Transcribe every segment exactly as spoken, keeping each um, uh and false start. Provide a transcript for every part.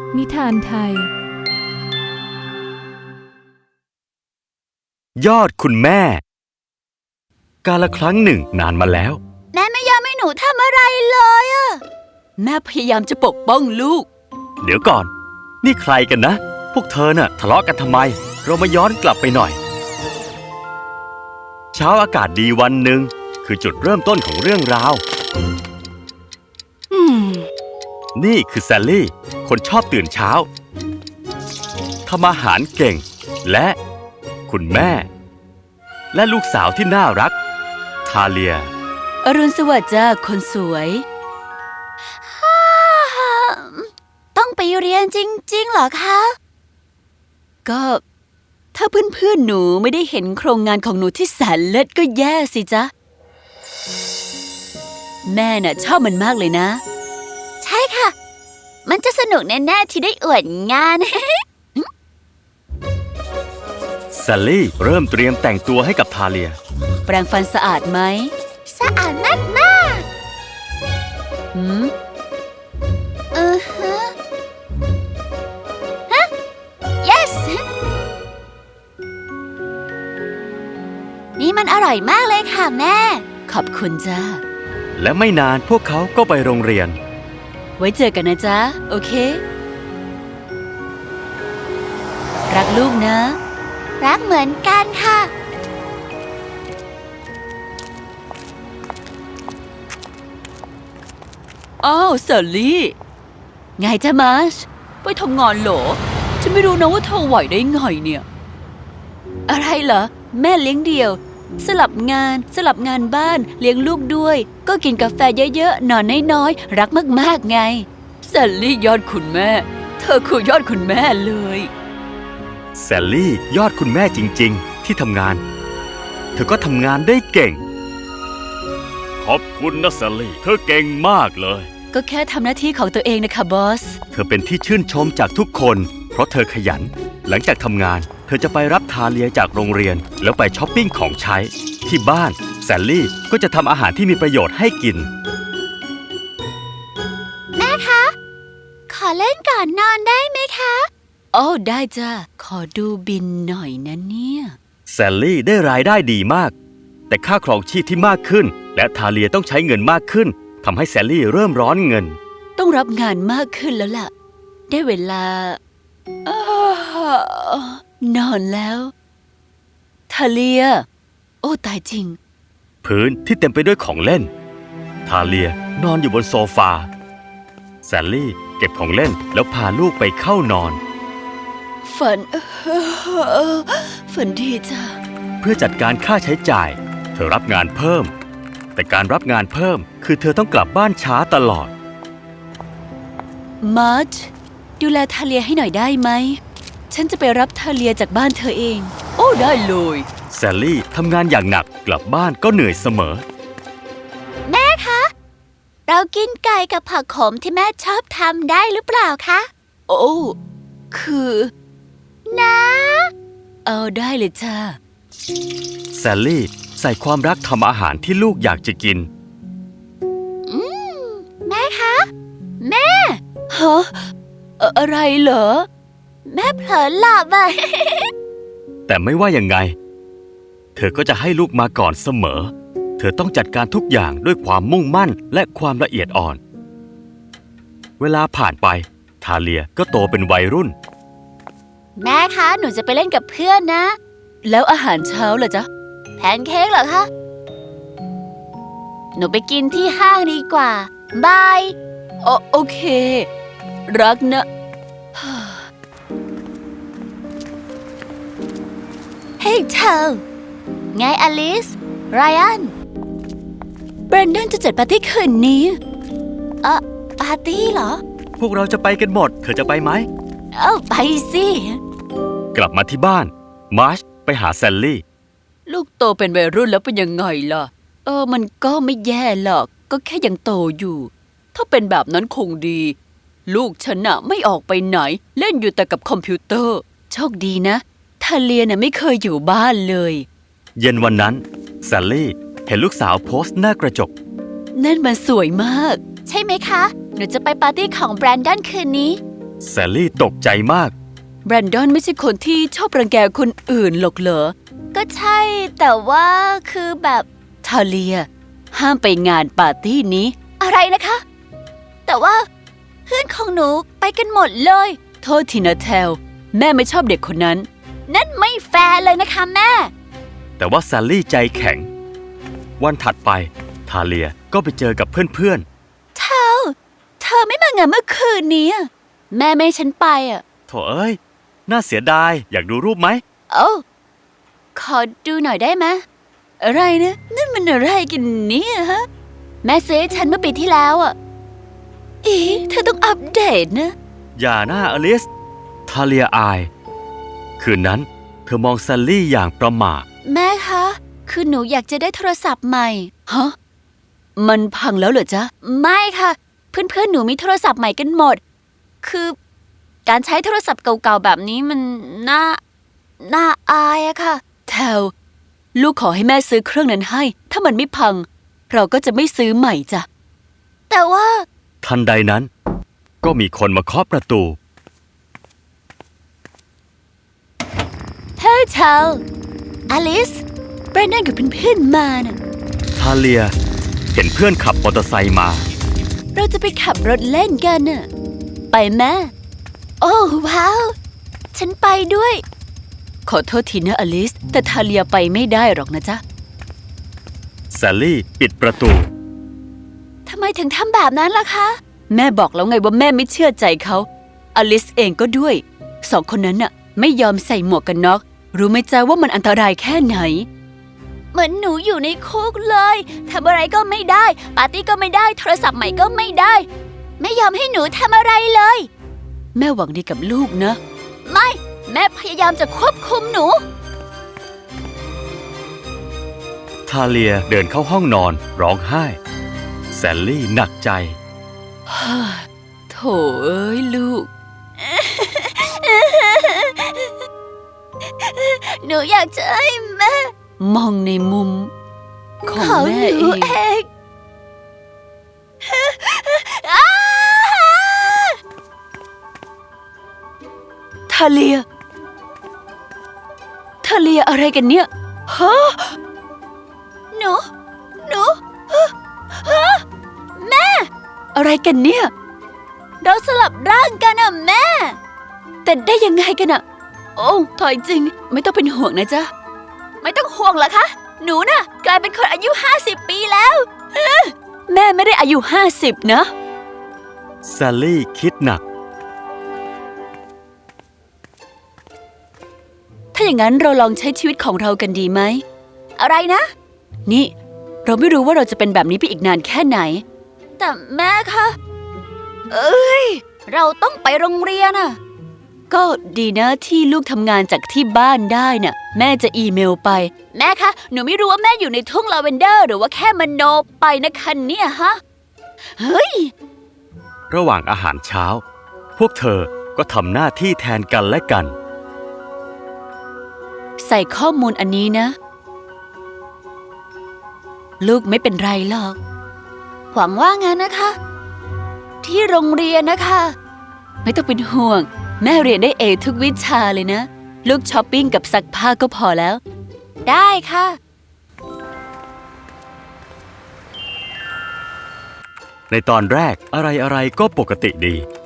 นิทานไทยยอดคุณแม่กาลครั้งหนึ่งนานมาแล้วแม่ไม่ยอมให้หนูทำอะไรเลยอะแม่พยายามจะปกป้องลูกเดี๋ยวก่อนนี่ใครกันนะพวกเธอน่ะทะเลาะกันทำไมเรามาย้อนกลับไปหน่อยเช้าอากาศดีวันหนึ่งคือจุดเริ่มต้นของเรื่องราวอืมนี่คือแซลลี่คนชอบตื่นเช้าทำอาหารเก่งและคุณแม่และลูกสาวที่น่ารักทาเลียอรุณสวัสดิ์จ้าคนสวยต้องไปเรียนจริงๆเหรอคะก็ถ้าเพื่อนๆหนูไม่ได้เห็นโครงงานของหนูที่แสนเลิศก็แย่สิจ๊ะแม่น่ะชอบมันมากเลยนะใช่ค่ะมันจะสนุกแน่ๆที่ได้อวดงานแซลลี่เริ่มเตรียมแต่งตัวให้กับทาเลียแปรงฟันสะอาดไหมสะอาดมากมากหืมเออฮะฮะ yes นี่มันอร่อยมากเลยค่ะแม่ขอบคุณจ้าและไม่นานพวกเขาก็ไปโรงเรียนไว้เจอกันนะจ๊ะโอเครักลูกนะรักเหมือนกันค่ะอ้าวเซลลี่ไงจ๊ะมาร์ชไปทำงานเหรอฉันไม่รู้นะว่าเธอไหวได้ไงเนี่ยอะไรเหรอแม่เลี้ยงเดี่ยวสลับงานสลับงานบ้านเลี้ยงลูกด้วยก็กินกาแฟเยอะๆนอนน้อยๆรักมากๆไงแซลลี่ยอดคุณแม่เธอคือยอดคุณแม่เลยแซลลี่ยอดคุณแม่จริงๆที่ทำงานเธอก็ทำงานได้เก่งขอบคุณนะแซลลี่เธอเก่งมากเลยก็แค่ทำหน้าที่ของตัวเองนะคะบอสเธอเป็นที่ชื่นชมจากทุกคนเพราะเธอขยันหลังจากทำงานเธอจะไปรับทาเลียจากโรงเรียนแล้วไปช้อปปิ้งของใช้ที่บ้านแซลลี่ก็จะทำอาหารที่มีประโยชน์ให้กินแม่คะขอเล่นก่อนนอนได้ไหมคะโอ้ได้จ้ะขอดูบินหน่อยนะเนี่ยแซลลี่ได้รายได้ดีมากแต่ค่าครองชีพที่มากขึ้นและทาเลียต้องใช้เงินมากขึ้นทำให้แซลลี่เริ่มร้อนเงินต้องรับงานมากขึ้นแล้วล่ะได้เวลานอนแล้วทาเลียโอ้ตายจริงพื้นที่เต็มไปด้วยของเล่นทาเลียนอนอยู่บนโซฟาแซลลี่เก็บของเล่นแล้วพาลูกไปเข้านอนฝันฝันดีจ้ะเพื่อจัดการค่าใช้จ่ายเธอรับงานเพิ่มแต่การรับงานเพิ่มคือเธอต้องกลับบ้านช้าตลอดมาร์ชดูแลทาเลียให้หน่อยได้ไหมฉันจะไปรับทาเลียจากบ้านเธอเองโอ้ได้เลยแซลลี่ทำงานอย่างหนักกลับบ้านก็เหนื่อยเสมอแม่คะเรากินไก่กับผักขมที่แม่ชอบทำได้หรือเปล่าคะโอ้คือนะเอาได้เลยจ้าแซลลี่ใส่ความรักทำอาหารที่ลูกอยากจะกินอืมแม่คะแม่ฮะอะไรเหรอแม่เผลอหลับอ่ะแต่ไม่ว่ายังไงเธอก็จะให้ลูกมาก่อนเสมอเธอต้องจัดการทุกอย่างด้วยความมุ่งมั่นและความละเอียดอ่อนเวลาผ่านไปทาเลียก็โตเป็นวัยรุ่นแม่คะหนูจะไปเล่นกับเพื่อนนะแล้วอาหารเช้าล่ะจ๊ะแพนเค้กเหรอคะหนูไปกินที่ห้างดีกว่าบายโอโอเครักนะเฮ้ยเธอไงอลิสไรอันแบรนดอนจะจัดปาร์ตี้คืนนี้เอ่อปาร์ตี้เหรอพวกเราจะไปกันหมดเธอจะไปไหมเอ้าไปสิกลับมาที่บ้านมาร์ชไปหาแซลลี่ลูกโตเป็นวัยรุ่นแล้วเป็นยังไงล่ะเออมันก็ไม่แย่หรอกก็แค่ยังโตอยู่ถ้าเป็นแบบนั้นคงดีลูกฉันน่ะไม่ออกไปไหนเล่นอยู่แต่กับคอมพิวเตอร์โชคดีนะทาเลียน่ะไม่เคยอยู่บ้านเลยเย็นวันนั้นแซลลี่เห็นลูกสาวโพสต์หน้ากระจกนั่นมันสวยมากใช่ไหมคะหนูจะไปปาร์ตี้ของแบรนดอนคืนนี้แซลลี่ตกใจมากแบรนดอนไม่ใช่คนที่ชอบรังแกคนอื่นหรอกเหรอก็ใช่แต่ว่าคือแบบทาเลีย ห้ามไปงานปาร์ตี้นี้อะไรนะคะ แต่ว่าเพื่อนของหนูไปกันหมดเลยโทษทีนะเทล แม่ไม่ชอบเด็กคนนั้นนั่นไม่แฟร์เลยนะคะแม่แต่ว่าแซลลี่ใจแข็ง วันถัดไปทาเลียก็ไปเจอกับเพื่อนเธอ เธอไม่มางานเมื่อคืนนี้อะแม่ไม่ให้ฉันไปอ่ะๆโถเอ้ย น่าเสียดาย อยากดูรูปไหมโอ้ขอดูหน่อยได้ไหมอะไรนะนั่นมันอะไรกันเนี่ยฮะแม่ซื้อให้ฉันเมื่อปีที่แล้วอ่ะอีเธอต้องอัปเดตนะอย่าหน้าอลิส ทาเลียอาย คืนนั้นเธอมองแซลลี่อย่างประหม่าแม่คะ คือหนูอยากจะได้โทรศัพท์ใหม่ฮะ มันพังแล้วเหรอจ๊ะไม่ค่ะ เพื่อนๆหนูมีโทรศัพท์ใหม่กันหมด คือการใช้โทรศัพท์เก่าๆแบบนี้มันน่า น่าอายอะค่ะแทวลูกขอให้แม่ซื้อเครื่องนั้นให้ ถ้ามันไม่พัง เราก็จะไม่ซื้อใหม่จ้ะแต่ว่าทันใดนั้น ก็มีคนมาเคาะประตูเฮ้ยเชลอลิสแบรนดอนกับเพื่อนๆมาน่ะทาเลียเห็นเพื่อนขับมอเตอร์ไซค์มาเราจะไปขับรถเล่นกันน่ะ ไปแม่ โอ้ว้าว ฉันไปด้วยขอโทษทีนะอลิส แต่ทาเลียไปไม่ได้หรอกนะจ๊ะแซลลี่ปิดประตูทำไมถึงทำแบบนั้นล่ะคะแม่บอกแล้วไงว่าแม่ไม่เชื่อใจเขา อลิสเองก็ด้วย สองคนนั้นน่ะ ไม่ยอมใส่หมวกกันน็อก รู้ไหมจ๊ะว่ามันอันตรายแค่ไหนเหมือนหนูอยู่ในคุกเลยทำอะไรก็ไม่ได้ ปาร์ตี้ก็ไม่ได้ โทรศัพท์ใหม่ก็ไม่ได้ ไม่ยอมให้หนูทำอะไรเลยแม่หวังดีกับลูกนะไม่ แม่พยายามจะควบคุมหนูทาเลียเดินเข้าห้องนอนร้องไห้ แซลลี่หนักใจโถเอ้ยลูกหนูอยากจะให้แม่มองในมุม ของของแม่หนูเองเองอ้าทาเลีย ทาเลียอะไรกันเนี่ย ฮะหนู หนูฮะแม่อะไรกันเนี่ยเราสลับร่างกันอะแม่แต่ได้ยังไงกันอะโอ้ถอยจริง ไม่ต้องเป็นห่วงนะจ๊ะไม่ต้องห่วงเหรอคะ หนูน่ะ กลายเป็นคนอายุห้าสิบปีแล้วแม่ไม่ได้อายุห้าสิบนะแซลลี่คิดหนักถ้าอย่างนั้นเราลองใช้ชีวิตของเรากันดีไหมอะไรนะนี่ เราไม่รู้ว่าเราจะเป็นแบบนี้ไปอีกนานแค่ไหนแต่แม่คะ เอ้ย เราต้องไปโรงเรียนอะก็ดีนะที่ลูกทำงานจากที่บ้านได้น่ะ แม่จะอีเมลไปแม่คะ หนูไม่รู้ว่าแม่อยู่ในทุ่งลาเวนเดอร์ หรือว่าแค่มโนไปนะคะเนี่ยฮะ เฮ้ยระหว่างอาหารเช้า พวกเธอก็ทำหน้าที่แทนกันและกันใส่ข้อมูลอันนี้นะ ลูกไม่เป็นไรหรอกหวังว่างั้นนะคะ ที่โรงเรียนนะคะไม่ต้องเป็นห่วง แม่เรียนได้เอทุกวิชาเลยนะ ลูกช้อปปิ้งกับซักผ้าก็พอแล้วได้ค่ะในตอนแรกอะไรๆก็ปกติดี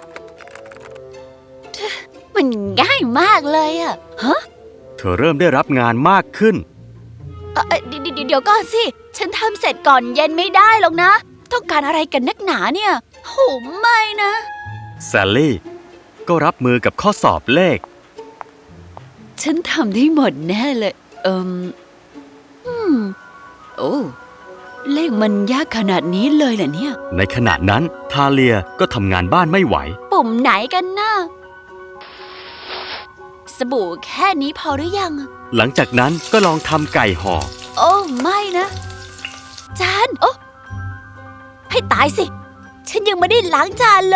มันง่ายมากเลยอะฮะเธอเริ่มได้รับงานมากขึ้นเอ่อเอ่อเดี๋ยวเดี๋ยวเดี๋ยวก่อนสิ ฉันทำเสร็จก่อนเย็นไม่ได้หรอกนะ ต้องการอะไรกันนักหนาเนี่ยโหไม่นะแซลลี่ก็รับมือกับข้อสอบเลขฉันทำได้หมดแน่เลย เอิมอืม โอ้ เลขมันยากขนาดนี้เลยเหรอเนี่ยในขณะนั้นทาเลียก็ทำงานบ้านไม่ไหวปุ่มไหนกันนะสบู่แค่นี้พอหรือยังหลังจากนั้นก็ลองทำไก่ห่อโอ้ไม่นะ จานโอ้ให้ตายสิ ฉันยังไม่ได้ล้างจานเลย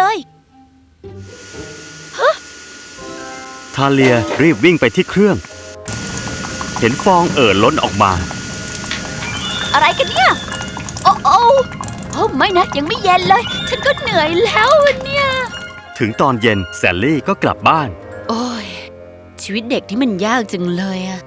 ทาเลียรีบวิ่งไปที่เครื่อง เห็นฟองเอ่อล้นออกมาอะไรกันเนี่ย โอ้โอ้โอ้ไม่นะ ยังไม่เย็นเลย ฉันก็เหนื่อยแล้วเนี่ยถึงตอนเย็นแซลลี่ก็กลับบ้านโอ้ย ชีวิตเด็กที่มันยากจังเลยอะ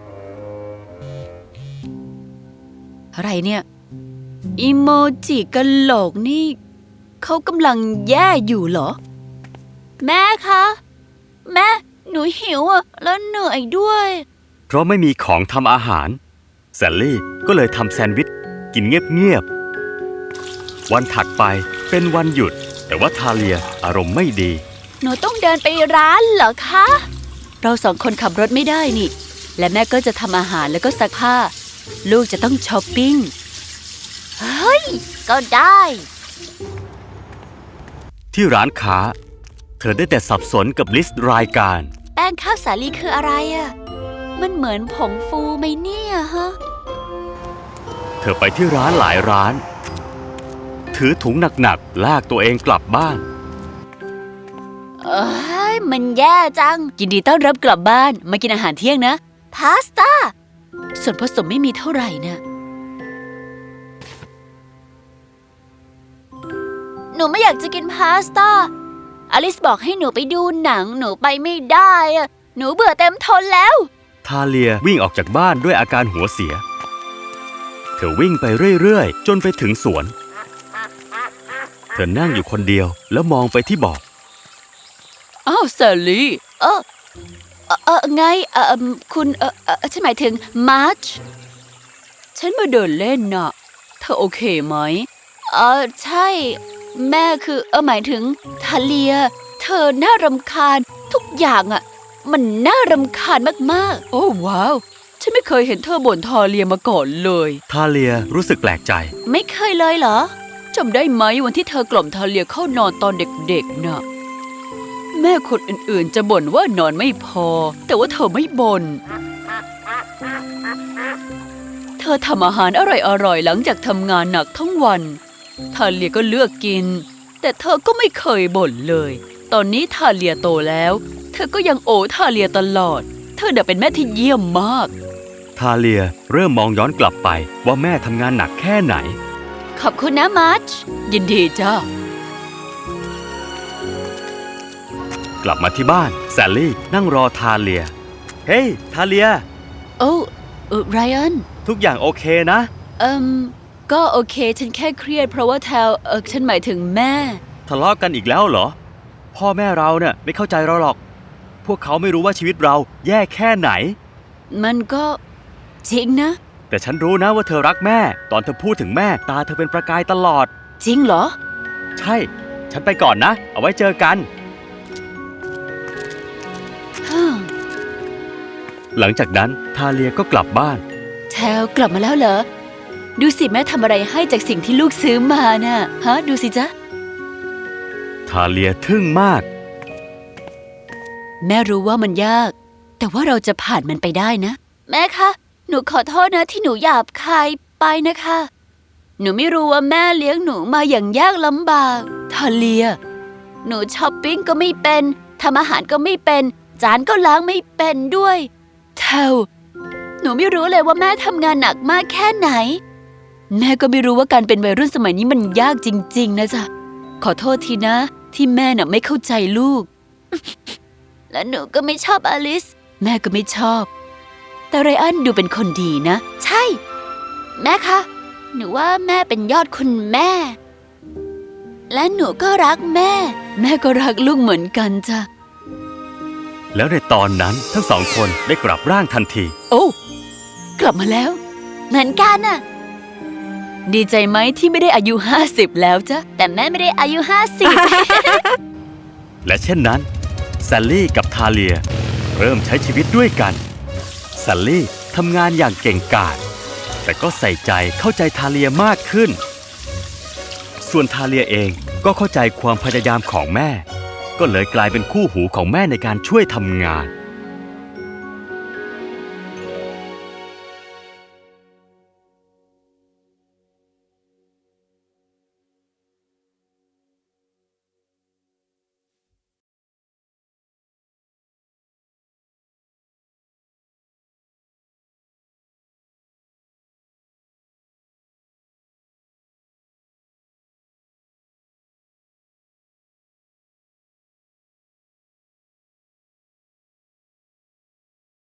อะไรเนี่ยอีโมจิกะโหลกนี่เขากำลังแย่อยู่เหรอแม่คะ แม่ หนูหิวอะแล้วเหนื่อยด้วยเพราะไม่มีของทำอาหารแซลลี่ก็เลยทำแซนด์วิชกินเงียบๆวันถัดไปเป็นวันหยุดแต่ว่าทาเลียอารมณ์ไม่ดีหนูต้องเดินไปร้านเหรอคะเราสองคนขับรถไม่ได้นี่ และแม่ก็จะทำอาหารแล้วก็ซักผ้า ลูกจะต้องช้อปปิ้งเฮ้ย ก็ได้ที่ร้านค้าเธอได้แต่สับสนกับลิสต์รายการแป้งข้าวสาลีคืออะไรอะมันเหมือนผงฟูไหมเนี่ยฮะเธอไปที่ร้านหลายร้าน ถือถุงหนักๆลากตัวเองกลับบ้านเอ้ย มันแย่จังยินดีต้อนรับกลับบ้านมากินอาหารเที่ยงนะพาสต้าส่วนผสมไม่มีเท่าไหร่นะหนูไม่อยากจะกินพาสต้า อลิสบอกให้หนูไปดูหนัง หนูไปไม่ได้อะหนูเบื่อเต็มทนแล้วทาเลียวิ่งออกจากบ้านด้วยอาการหัวเสีย เธอวิ่งไปเรื่อยๆจนไปถึงสวน เธอนั่งอยู่คนเดียวแล้วมองไปที่บ่ออ้าวแซลลี่เออเออเออไงเออเอิ่มคุณเออเออฉันหมายถึงมาร์ชฉันมาเดินเล่นน่ะ เธอโอเคไหมเออใช่ แม่คือเออหมายถึงทาเลีย เธอน่ารำคาญทุกอย่างอ่ะ มันน่ารำคาญมากโอ้ว้าว ฉันไม่เคยเห็นเธอบ่นทอเลียมาก่อนเลยทาเลียรู้สึกแปลกใจๆ ไม่เคยเลยเหรอจำได้ไหมวันที่เธอกล่อมทาเลียเข้านอนตอนเด็กๆน่ะ แม่คนอื่นๆจะบ่นว่านอนไม่พอ แต่ว่าเธอไม่บ่น เธอทำอาหารอร่อยๆหลังจากทำงานหนักทั้งวันทาเลียก็เลือกกิน แต่เธอก็ไม่เคยบ่นเลย ตอนนี้ทาเลียโตแล้ว เธอก็ยังโอทาเลียตลอด เธอเน่ะเป็นแม่ที่เยี่ยมมากทาเลียเริ่มมองย้อนกลับไปว่าแม่ทำงานหนักแค่ไหนขอบคุณนะมาร์ชยินดีจ้ากลับมาที่บ้านแซลลี่นั่งรอทาเลีย เฮ้ยทาเลียโอ้เออไรอันทุกอย่างโอเคนะเอิมก็โอเค ฉันแค่เครียดเพราะว่าแทวเออฉันหมายถึงแม่ทะเลาะกันอีกแล้วเหรอ พ่อแม่เราเนี่ยไม่เข้าใจเราหรอก พวกเขาไม่รู้ว่าชีวิตเราแย่แค่ไหนมันก็จริงนะแต่ฉันรู้นะว่าเธอรักแม่ ตอนเธอพูดถึงแม่ตาเธอเป็นประกายตลอดจริงเหรอใช่ ฉันไปก่อนนะ เอาไว้เจอกันฮ่าหลังจากนั้นทาเลียก็กลับบ้านแทวกลับมาแล้วเหรอ ดูสิแม่ทำอะไรให้จากสิ่งที่ลูกซื้อมาน่ะฮะ ดูสิจ๊ะทาเลียทึ่งมากแม่รู้ว่ามันยาก แต่ว่าเราจะผ่านมันไปได้นะแม่คะ หนูขอโทษนะที่หนูหยาบคายไปนะคะ หนูไม่รู้ว่าแม่เลี้ยงหนูมาอย่างยากลำบากทาเลียหนูช้อปปิ้งก็ไม่เป็น ทำอาหารก็ไม่เป็น จานก็ล้างไม่เป็นด้วยแทวหนูไม่รู้เลยว่าแม่ทำงานหนักมากแค่ไหนแม่ก็ไม่รู้ว่าการเป็นวัยรุ่นสมัยนี้มันยากจริงๆนะจ๊ะ ขอโทษทีนะ ที่แม่น่ะไม่เข้าใจลูกและหนูก็ไม่ชอบอลิสแม่ก็ไม่ชอบ แต่ไรอันดูเป็นคนดีนะใช่ แม่คะ หนูว่าแม่เป็นยอดคุณแม่ และหนูก็รักแม่แม่ก็รักลูกเหมือนกันจ้ะแล้วในตอนนั้นทั้งสองคนได้กลับร่างทันทีโอ้ กลับมาแล้วเหมือนกันน่ะดีใจไหมที่ไม่ได้อายุห้าสิบแล้วจ๊ะแต่แม่ไม่ได้อายุห้าสิบและเช่นนั้นแซลลี่กับทาเลียเริ่มใช้ชีวิตด้วยกันแซลลี่ทำงานอย่างเก่งกาจแต่ก็ใส่ใจเข้าใจทาเลียมากขึ้น ส่วนทาเลียเองก็เข้าใจความพยายามของแม่ ก็เลยกลายเป็นคู่หูของแม่ในการช่วยทำงาน